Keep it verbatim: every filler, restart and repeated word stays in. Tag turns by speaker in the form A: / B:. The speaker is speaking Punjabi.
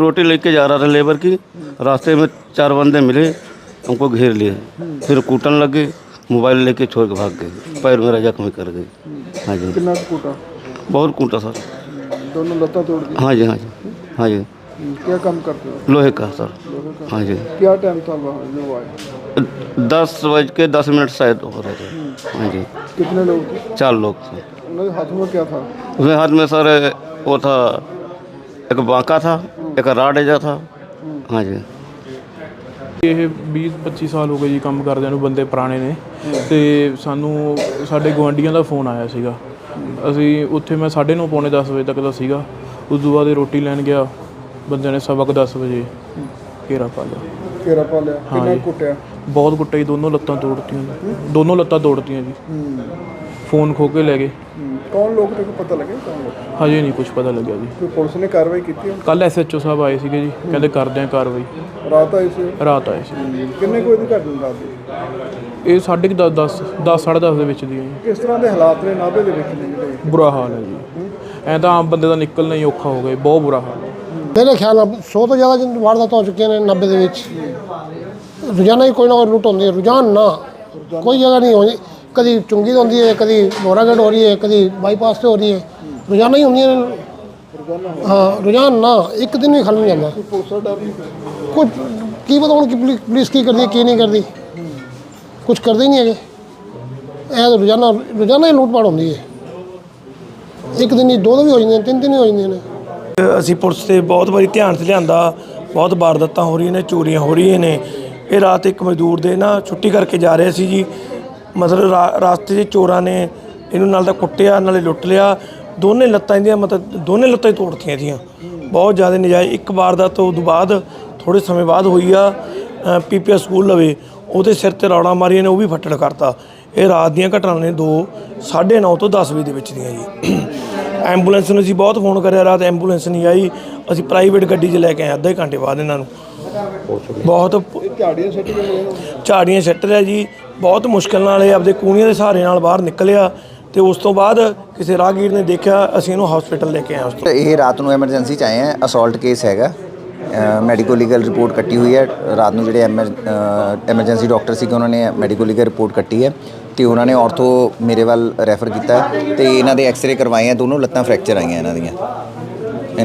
A: रोटी लेके जा रहा था लेबर की, रास्ते में चार बंदे मिले, हमको घेर लिए, फिर कूटन लग गए, मोबाइल लेके छोड़ के भाग गए, पैर मेरा जख्मी कर गए। हाँ जी।
B: कितना कूटा?
A: बहुत कूटा सर।
B: दोनों लत्ता तोड़ दी?
A: हाँ जी हाँ जी हाँ जी।
B: क्या काम करते हो?
A: लोहे का सर।
B: लोगों का?
A: हाँ जी।
B: क्या टाइम था वहाँ जो आए?
A: दस बज के दस मिनट शायद हो रहे थे। हाँ जी।
B: कितने लोग थे?
A: चार लोग थे।
B: उनके हाथ में क्या था?
A: उसमें हाथ में सर वो था, एक बांका था, एक राड एजा था। हाँ जी।
C: ਇਹ ਵੀਹ ਪੱਚੀ ਸਾਲ ਹੋ ਗਏ ਜੀ ਕੰਮ ਕਰਦਿਆਂ ਨੂੰ, ਬੰਦੇ ਪੁਰਾਣੇ ਨੇ। ਅਤੇ ਸਾਨੂੰ ਸਾਡੇ ਗੁਆਂਢੀਆਂ ਦਾ ਫੋਨ ਆਇਆ ਸੀਗਾ। ਅਸੀਂ ਉੱਥੇ ਮੈਂ ਸਾਢੇ ਨੌ ਪੌਣੇ ਦਸ ਵਜੇ ਤੱਕ ਦਾ ਸੀਗਾ। ਉਸ ਤੋਂ ਬਾਅਦ ਰੋਟੀ ਲੈਣ ਗਿਆ, ਬੰਦਿਆਂ ਨੇ ਸਵਾ ਕੁ ਦਸ ਵਜੇ ਘੇਰਾ ਪਾ ਲਿਆ।
B: ਘੇਰਾ ਪਾ ਲਿਆ? ਕਿੰਨਾ ਕੁੱਟਿਆ?
C: ਬਹੁਤ ਕੁੱਟਿਆ ਜੀ, ਦੋਨੋਂ ਲੱਤਾਂ ਤੋੜਤੀਆਂ ਜੀ, ਦੋਨੋਂ ਲੱਤਾਂ ਤੋੜਤੀਆਂ ਜੀ। ਫੋਨ ਖੋਹ ਕੇ ਲੈ ਗਏ।
B: ਕੌਣ ਲੋਕ ਨੇ, ਪਤਾ ਲੱਗਿਆ ਕੌਣ ਲੋਕ?
C: ਹਜੇ ਨਹੀਂ ਕੁਝ ਪਤਾ ਲੱਗਿਆ ਜੀ।
B: ਕੋਈ ਪੁਲਿਸ ਨੇ ਕਾਰਵਾਈ ਕੀਤੀ?
C: ਕੱਲ੍ਹ ਐਸ ਐਚ ਓ ਸਾਹਿਬ ਆਏ ਸੀਗੇ ਜੀ, ਕਹਿੰਦੇ ਕਰਦੇ ਆ ਕਾਰਵਾਈ।
B: ਰਾਤ ਆਈ ਸੀ?
C: ਰਾਤ ਆਏ ਸੀ।
B: ਕਿੰਨੇ ਕੋਈ ਦੀ ਘਟਨਾ ਰਾਤ ਦੀ?
C: ਇਹ ਸਾਢੇ ਕੁ ਦਸ ਦਸ ਦਸ ਸਾਢੇ ਦਸ ਦੇ ਵਿੱਚ ਦੀ ਹੈ ਜੀ।
B: ਕਿਸ ਤਰ੍ਹਾਂ ਦੇ ਹਾਲਾਤ ਨੇ ਨਾਭੇ ਦੇ ਵਿੱਚ ਨੇ ਜਿਹੜੇ?
C: ਬੁਰਾ ਹਾਲ ਹੈ ਜੀ, ਐਂ ਤਾਂ ਆਮ ਬੰਦੇ ਦਾ ਨਿਕਲਣਾ ਹੀ ਔਖਾ ਹੋ ਗਿਆ, ਬਹੁਤ ਬੁਰਾ ਹਾਲ ਹੈ।
D: ਮੇਰੇ ਖਿਆਲ ਨਾਲ ਸੌ ਤੋਂ ਜ਼ਿਆਦਾ ਵਾਰਦਾਤਾਂ ਹੋ ਚੁੱਕੀਆਂ ਨੇ ਨਾਭੇ ਦੇ ਵਿੱਚ। ਰੋਜ਼ਾਨਾ ਹੀ ਕੋਈ ਨਾ ਕੋਈ ਲੁੱਟ ਹੁੰਦੀ ਹੈ, ਰੋਜ਼ਾਨਾ ਨਾ ਕੋਈ ਜਗ੍ਹਾ ਨਹੀਂ ਹੋਣੀ। ਕਦੀ ਚੁੰਗੀ ਤੋਂ ਹੁੰਦੀ ਹੈ, ਕਦੀ ਲੋਰਾਗੜ ਹੋ ਰਹੀ ਹੈ, ਕਦੀ ਬਾਈਪਾਸ 'ਤੇ ਹੋ ਰਹੀ ਹੈ, ਰੋਜ਼ਾਨਾ ਹੀ ਹੁੰਦੀਆਂ ਨੇ। ਹਾਂ ਰੋਜ਼ਾਨਾ ਨਾ, ਇੱਕ ਦਿਨ ਵੀ ਖਾਲੀ ਨਹੀਂ ਜਾਂਦਾ।
B: ਪੁਲਿਸ ਦਾ ਡਰ ਨਹੀਂ?
D: ਕੁਝ ਕੀ ਪਤਾ ਹੁਣ ਕਿ ਪੁਲਿਸ ਪੁਲਿਸ ਕੀ ਕਰਦੀ ਕੀ ਨਹੀਂ ਕਰਦੀ, ਕੁਝ ਕਰਦੇ ਹੀ ਨਹੀਂ ਹੈਗੇ। ਇਹ ਤਾਂ ਰੋਜ਼ਾਨਾ ਰੋਜ਼ਾਨਾ ਹੀ ਲੁੱਟ ਪਾਟ ਹੁੰਦੀ ਹੈ। ਇੱਕ ਦਿਨ ਹੀ ਦੋ ਦੋ ਵੀ ਹੋ ਜਾਂਦੀਆਂ, ਤਿੰਨ ਤਿੰਨ ਹੀ ਹੋ ਜਾਂਦੀਆਂ ਨੇ।
E: ਅਸੀਂ ਪੁਲਿਸ ਤੇ ਬਹੁਤ ਵਾਰੀ ਧਿਆਨ 'ਚ ਲਿਆਂਦਾ, ਬਹੁਤ ਵਾਰਦਾਤਾਂ ਹੋ ਰਹੀਆਂ ਨੇ, ਚੋਰੀਆਂ ਹੋ ਰਹੀਆਂ ਨੇ। ਇਹ ਰਾਤ ਇੱਕ ਮਜ਼ਦੂਰ ਦੇ ਨਾ ਛੁੱਟੀ ਕਰਕੇ ਜਾ ਰਹੇ ਸੀ ਜੀ, ਮਤਲਬ ਰਾ ਰਾਸਤੇ 'ਚ ਚੋਰਾਂ ਨੇ ਇਹਨੂੰ ਨਾਲ ਤਾਂ ਕੁੱਟਿਆ ਨਾਲੇ ਲੁੱਟ ਲਿਆ। ਦੋਨੇ ਲੱਤਾਂ ਇਹਦੀਆਂ ਮਤਲਬ ਦੋਨੇ ਲੱਤਾਂ ਹੀ ਤੋੜਤੀਆਂ ਇਹਦੀਆਂ, ਬਹੁਤ ਜ਼ਿਆਦਾ ਨਜਾਇਜ਼। ਇੱਕ ਵਾਰਦਾਤ ਤੋਂ ਬਾਅਦ ਥੋੜ੍ਹੇ ਸਮੇਂ ਬਾਅਦ ਹੋਈ ਆ ਪੀ ਪੀ ਐਸ ਸਕੂਲ ਲਵੇ, ਉਹਦੇ ਸਿਰ 'ਤੇ ਰੌੜਾਂ ਮਾਰੀਆਂ ਨੇ, ਉਹ ਵੀ ਫੱਟੜ ਕਰਤਾ। ਇਹ ਰਾਤ ਦੀਆਂ ਘਟਨਾਵਾਂ ਨੇ, ਦੋ ਸਾਢੇ ਨੌ ਤੋਂ ਦਸ ਵਜੇ ਦੇ ਵਿੱਚ ਦੀਆਂ ਜੀ। ਐਂਬੂਲੈਂਸ ਨੂੰ ਅਸੀਂ ਬਹੁਤ ਫੋਨ ਕਰਿਆ, ਰਾਤ ਐਂਬੂਲੈਂਸ ਨਹੀਂ ਆਈ। ਅਸੀਂ ਪ੍ਰਾਈਵੇਟ ਗੱਡੀ 'ਚ ਲੈ ਕੇ ਆਏ ਅੱਧੇ ਘੰਟੇ ਬਾਅਦ ਇਹਨਾਂ ਨੂੰ। ਬਹੁਤ
B: ਝਾੜੀਆਂ ਸੱਟ ਕੇ
E: ਝਾੜੀਆਂ ਸੱਟ ਲਿਆ ਜੀ, ਬਹੁਤ ਮੁਸ਼ਕਿਲ ਨਾਲ ਇਹ ਆਪਦੇ ਕੂਣੀਆਂ ਦੇ ਸਹਾਰੇ ਨਾਲ ਬਾਹਰ ਨਿਕਲਿਆ। ਤੇ ਉਸ ਤੋਂ ਬਾਅਦ ਕਿਸੇ ਰਾਹਗੀਰ ਨੇ ਦੇਖਿਆ, ਅਸੀਂ ਇਹਨੂੰ ਹਸਪੀਟਲ ਲੈ ਕੇ ਆਏ। ਉਸ ਤੋਂ
F: ਇਹ ਰਾਤ ਨੂੰ ਐਮਰਜੈਂਸੀ 'ਚ ਆਏ ਆ, ਅਸੌਲਟ ਕੇਸ ਹੈਗਾ। ਮੈਡੀਕੋ ਲੀਗਲ ਰਿਪੋਰਟ ਕੱਟੀ ਹੋਈ ਹੈ ਰਾਤ ਨੂੰ। ਜਿਹੜੇ ਐਮਰ ਐਮਰਜੈਂਸੀ ਡਾਕਟਰ ਸੀਗੇ ਉਹਨਾਂ ਨੇ ਮੈਡੀਕੋ ਲੀਗਲ ਰਿਪੋਰਟ ਕੱਟੀ ਹੈ ਅਤੇ ਉਹਨਾਂ ਨੇ ਔਰਥੋ ਮੇਰੇ ਵੱਲ ਰੈਫਰ ਕੀਤਾ ਅਤੇ ਇਹਨਾਂ ਦੇ ਐਕਸਰੇ ਕਰਵਾਏ ਆ। ਦੋਨੋਂ ਲੱਤਾਂ ਫ੍ਰੈਕਚਰ ਆਈਆਂ ਇਹਨਾਂ ਦੀਆਂ।